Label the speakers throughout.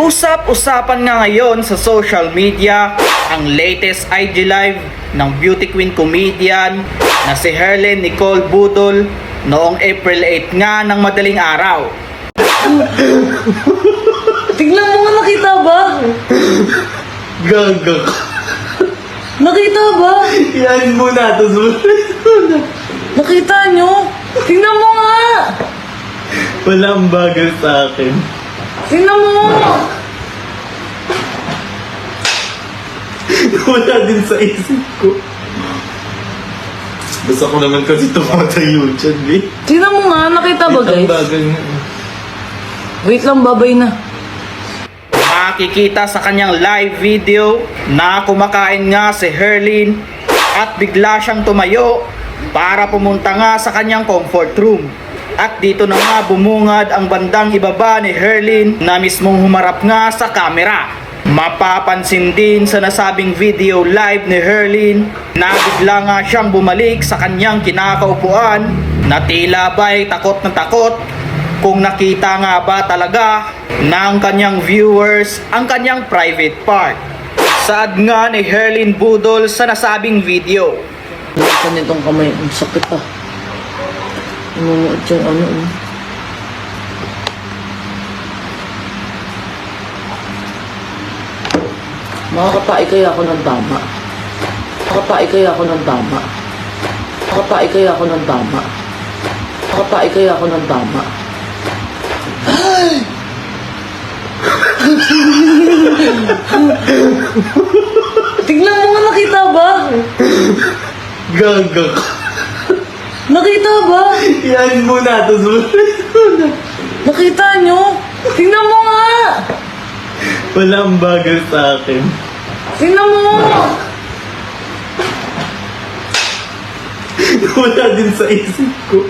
Speaker 1: Usap-usapan nga ngayon sa social media ang latest IG live ng beauty queen comedian na si Herlyn Nicole Budol noong April 8 nga ng madaling araw.
Speaker 2: Tingnan mo nga, nakita ba?
Speaker 3: Gaga.
Speaker 2: Nakita ba?
Speaker 3: Yan muna, tapos
Speaker 2: Nakita nyo? Tingnan mo nga!
Speaker 3: walang bagal sa akin.
Speaker 2: Tingnan mo!
Speaker 3: Wala din sa isip ko. Basta ko naman kasi tumatayo dyan, eh.
Speaker 2: Tingnan mo nga, nakita ba
Speaker 3: Ang
Speaker 2: guys?
Speaker 3: bagal nga.
Speaker 2: Wait lang, babay na.
Speaker 1: Makikita sa kanyang live video na kumakain nga si Herlyn at bigla siyang tumayo para pumunta nga sa kanyang comfort room. At dito na nga bumungad ang bandang ibaba ni Herlyn na mismong humarap nga sa camera. Mapapansin din sa nasabing video live ni Herlyn na bigla nga siyang bumalik sa kanyang kinakaupuan na tila ba'y takot na takot kung nakita nga ba talaga ng kanyang viewers ang kanyang private part. Saad nga ni Herlyn Budol sa nasabing video.
Speaker 2: Lakan nitong kamay, ang sakit ah. Inunuot yung ano eh. Makakapai kaya ako ng tama. Makakapai kaya ako ng tama. Makakapai kaya ako ng tama. Makakapai kaya ako ng tama. Tingnan mo nga, nakita ba?
Speaker 3: Gaga.
Speaker 2: Nakita ba?
Speaker 3: Yan muna, tapos
Speaker 2: Nakita nyo? Tingnan mo nga!
Speaker 3: walang bagal sa akin.
Speaker 2: Tingnan mo!
Speaker 3: Wala din sa isip ko.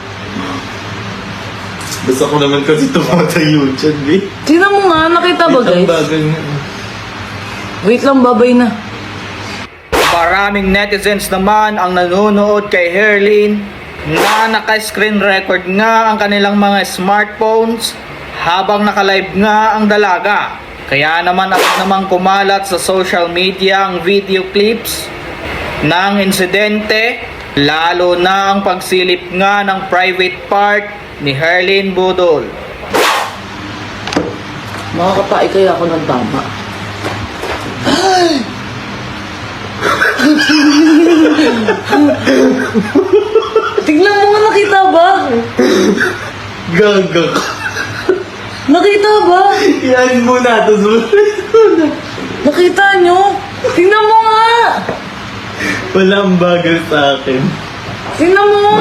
Speaker 3: Basta ko naman kasi tumatayo dyan, eh.
Speaker 2: Tingnan mo nga, nakita ba
Speaker 3: Ang
Speaker 2: guys?
Speaker 3: bagal nga.
Speaker 2: Wait lang, babay na.
Speaker 1: Maraming netizens naman ang nanonood kay Herlyn na naka-screen record nga ang kanilang mga smartphones habang naka-live nga ang dalaga. Kaya naman agad namang kumalat sa social media ang video clips ng insidente, lalo na ang pagsilip nga ng private part ni Herlyn Budol.
Speaker 2: Makakapai kaya ako ng tama. Tingnan mo nga, nakita ba?
Speaker 3: Gaga.
Speaker 2: Nakita ba?
Speaker 3: Yan muna, tapos
Speaker 2: Nakita nyo? Tingnan mo nga!
Speaker 3: walang bagal sa akin.
Speaker 2: Tingnan mo!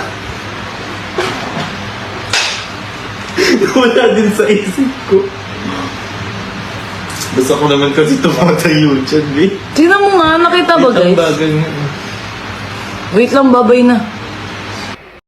Speaker 3: Wala din sa isip ko. Basta ko naman kasi tumatayo dyan, eh.
Speaker 2: Tingnan mo nga, nakita ba
Speaker 3: Ang
Speaker 2: guys?
Speaker 3: bagal nga.
Speaker 2: Wait lang, babay na.